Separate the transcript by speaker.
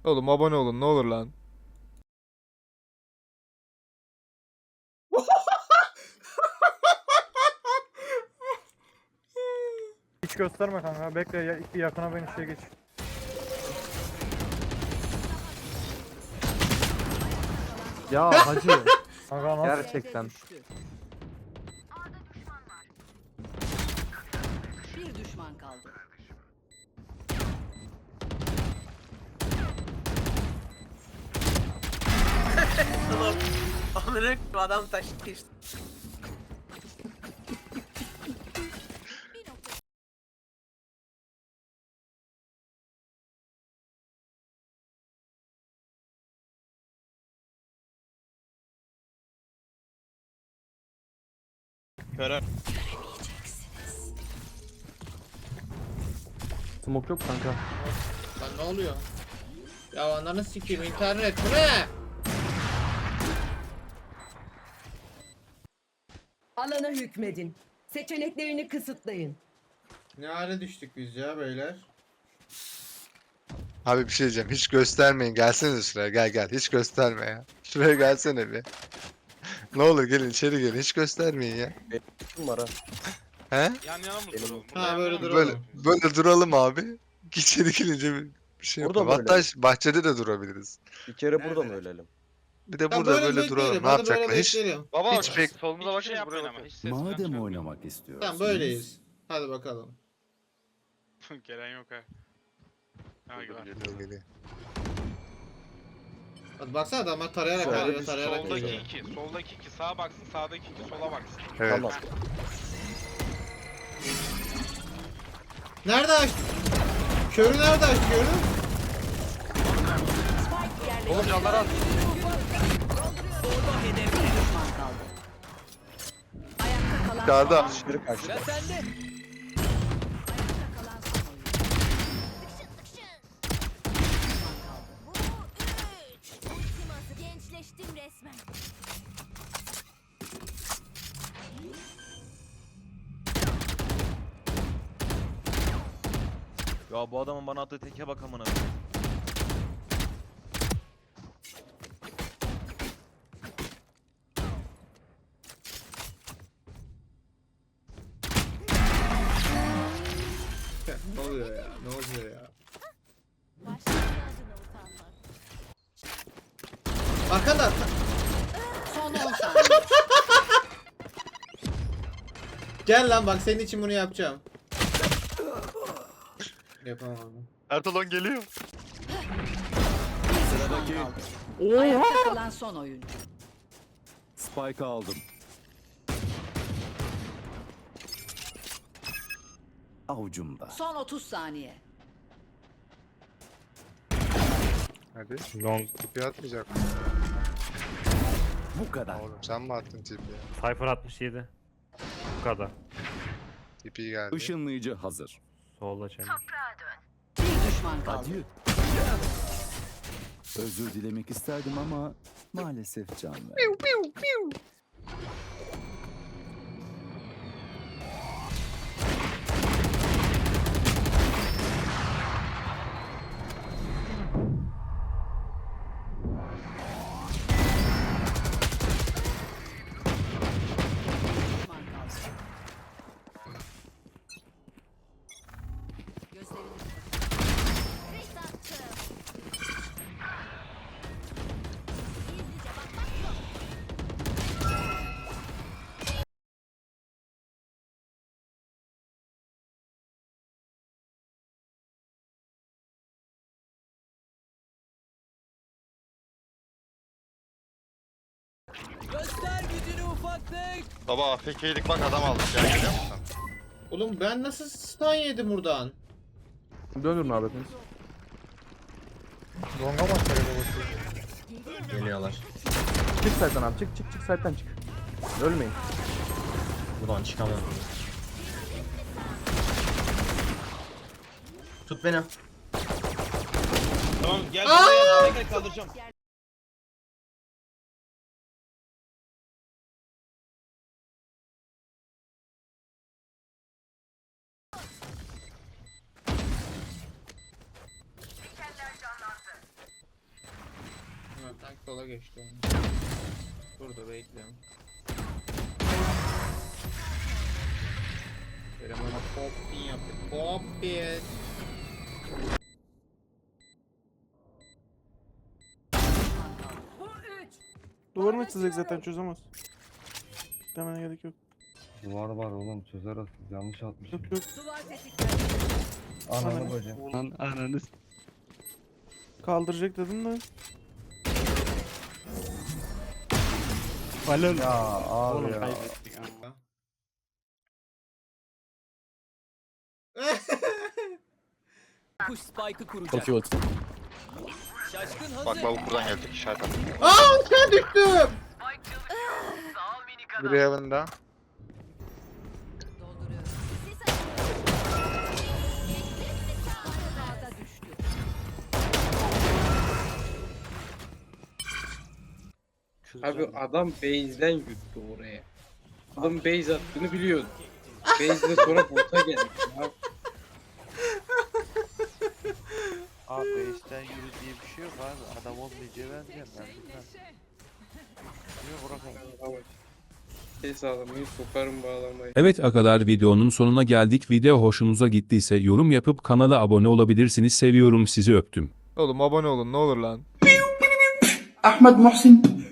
Speaker 1: Oğlum abone olun ne olur lan.
Speaker 2: Hiç gösterme kanka. Bekle ya, iki yakına ben işe geç.
Speaker 3: Ya hacı.
Speaker 2: Kanka nasıl?
Speaker 3: Gerçekten.
Speaker 4: Bir düşman kaldı.
Speaker 5: Oğlum. Onları adam taşıdı işte.
Speaker 3: Smoke yok kanka.
Speaker 5: Lan ne oluyor? Ya ananı sikeyim internet bu ne?
Speaker 6: Alana hükmedin. Seçeneklerini kısıtlayın.
Speaker 5: Ne hale düştük biz ya beyler?
Speaker 7: Abi bir şey diyeceğim. Hiç göstermeyin. Gelsene şuraya. Gel gel. Hiç gösterme ya. Şuraya gelsene bir. Ne olur gelin içeri gelin. Hiç göstermeyin ya.
Speaker 3: Kim var ha?
Speaker 7: He?
Speaker 8: Yan yana mı duralım?
Speaker 5: Ha böyle duralım.
Speaker 7: Böyle duralım abi. İçeri gelince bir şey
Speaker 3: Burada
Speaker 7: yapalım.
Speaker 3: böyle.
Speaker 7: Hatta bahçede de durabiliriz.
Speaker 3: Bir kere burada mı ölelim?
Speaker 7: Bir de
Speaker 5: Tamam,
Speaker 7: burada böyle duralım.
Speaker 5: bekleyelim,
Speaker 7: Ne
Speaker 5: hadi böyle
Speaker 7: yapacaklar? Hiç
Speaker 5: bekleyelim.
Speaker 8: Baba
Speaker 7: Hiç bek-
Speaker 8: solumuza bakın şey yapmayın ama hiç ses falan
Speaker 9: Madem
Speaker 8: çıkarmayın.
Speaker 9: oynamak istiyorsunuz.
Speaker 5: Tamam böyleyiz. Hadi bakalım.
Speaker 8: Gelen yok ha. Ha var.
Speaker 7: Geliyor, geliyor.
Speaker 5: Hadi baksana adamlar tarayarak
Speaker 3: Şöyle
Speaker 5: geliyor,
Speaker 3: bir
Speaker 5: tarayarak
Speaker 8: Soldaki
Speaker 5: geliyor.
Speaker 8: 2, soldaki 2 sağa baksın, sağdaki 2 sola baksın.
Speaker 7: Evet.
Speaker 3: Tamam.
Speaker 5: Nerede açtı? Körü nerede açtı körü?
Speaker 4: Oğlum canlar az. Bir düşman kaldı. Ayakta kalan
Speaker 7: Dışarıda.
Speaker 3: Biri kaçtı.
Speaker 4: Ayakta kalan son oyuncu.
Speaker 10: Ultiması gençleştim resmen.
Speaker 11: Ya bu adamın bana attığı teke bak amına.
Speaker 5: Ne oluyor ya? Ne oluyor ya?
Speaker 10: Başkasının adına utanmak.
Speaker 5: Arkanda.
Speaker 4: Son 10 saniye.
Speaker 5: Gel lan bak senin için bunu yapacağım. Yapamam.
Speaker 7: Ertalon geliyor.
Speaker 4: Sıradaki. Ayakta kalan son oyuncu.
Speaker 9: Spike aldım. Avucumda.
Speaker 4: Son 30 saniye.
Speaker 7: Hadi. Long tipi atmayacak.
Speaker 9: Bu kadar.
Speaker 7: Oğlum sen mi attın tipi ya?
Speaker 2: Cypher 67. Bu kadar.
Speaker 7: Tipi geldi.
Speaker 9: Işınlayıcı hazır.
Speaker 2: Solda çelik.
Speaker 4: Bir düşman kaldı.
Speaker 9: Adieu. Özür dilemek isterdim ama maalesef can verdi.
Speaker 4: Düşman kaldı. Gözlerini
Speaker 10: Kris attım. Gizlice bakmak yok.
Speaker 7: Baba AFK'lik bak adam aldık ya görüyor musun?
Speaker 5: Oğlum ben nasıl stun yedim buradan?
Speaker 3: Dönürün abi hepiniz.
Speaker 2: Longa mı atacak babası?
Speaker 12: Geliyorlar.
Speaker 3: Çık site'den abi. Çık çık çık site'den çık. Ölmeyin.
Speaker 12: Buradan çıkamam. Tut beni.
Speaker 11: Tamam gel buraya gel kaldıracağım.
Speaker 5: Sola geçti onu. Burada bekliyorum. Eleman'a poppin yaptı. Poppin.
Speaker 2: Duvarını çizecek zaten çözemez. Demene gerek yok.
Speaker 3: Duvar var oğlum çözer asıl. Yanlış atmış.
Speaker 2: Yok yok.
Speaker 4: Duvar tetiklendi.
Speaker 3: Ananı bacım.
Speaker 12: Lan ananı.
Speaker 2: Kaldıracak dedim de.
Speaker 12: Balon.
Speaker 3: Ya abi
Speaker 12: Oğlum
Speaker 3: ya.
Speaker 12: kaybettik ha.
Speaker 11: Kuş spike'ı kuracak.
Speaker 12: Çok iyi oldu.
Speaker 11: Şaşkın hazır.
Speaker 8: Bak bak buradan geldik işaret at.
Speaker 5: Aa uçağa düştüm.
Speaker 7: Biri yanında.
Speaker 4: Dolduruyorum.
Speaker 10: Sis
Speaker 4: Sağda düştü.
Speaker 12: Abi
Speaker 11: adam base'den yuttu oraya. Adam base attığını biliyordu. Base'de sonra bota geldi.
Speaker 12: Abi base'den yürü diye bir şey yok abi. Adam olmayacağı bence ben bilmem. Niye bırakayım?
Speaker 11: Ses alamayı sokarım bağlamayı.
Speaker 1: Evet arkadaşlar videonun sonuna geldik. Video hoşunuza gittiyse yorum yapıp kanala abone olabilirsiniz. Seviyorum sizi öptüm.
Speaker 7: Oğlum abone olun ne olur lan.
Speaker 6: Ahmet Muhsin